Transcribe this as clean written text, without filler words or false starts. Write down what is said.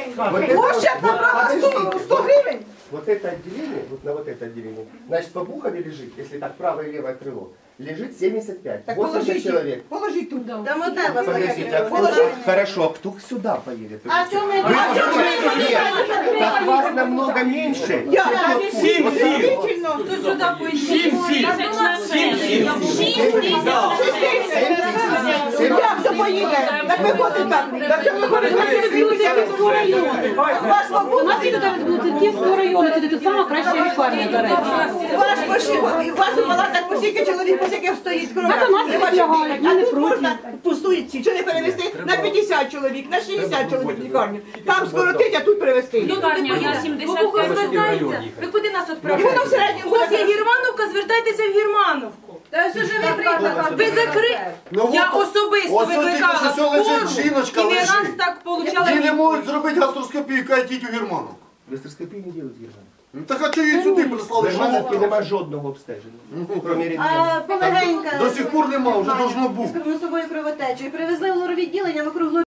Площадь набрала 100 гривен. Вот это отделение, вот на вот это отделение, значит, по Бухове лежит, если так правое и левое крыло, лежит 75, Так 80 человек. Положить туда. Там одна вас Подождите, а кто, хорошо, а кто сюда поедет? А что мы... Так вас намного меньше. Действительно. Кто сюда поїде? 7 Як хто поїде? Так виходить так. Так це виходить на Київського району. Ваш У нас свобода. тут Церківського району, це тут сама краща лікарня, до речі. Ваш пошив, і у вас у палатах по скільки чоловік, по скільки стоїть кров'я. Так у нас Не бачите, лягають, ми а не тут проти. можна пустують ці. Чого не перевести на 50 чоловік, на 60 чоловік в лікарню. Там скоротить, а тут перевести. Я 75 звертається. Ви куди нас І відправляєте? воно в середньому У вас є буде. Германовка, звертайтеся в Германовку. Та все живий приклад. Ви закрили. Я особисто ось тут викликала тільки що лежить скору, жіночка, і не раз лежить. так получала. Їй не можуть зробити гастроскопію, кажуть, у Герману. Гастроскопію не делают в Германії. Ну так а чого її сюди В прислали? Германовці нема жодного обстеження. Кроме рентгена. А полегенька. До сих пор нема, вже должно бути. З собою кровотечу. І привезли в лоровідділення, вокруг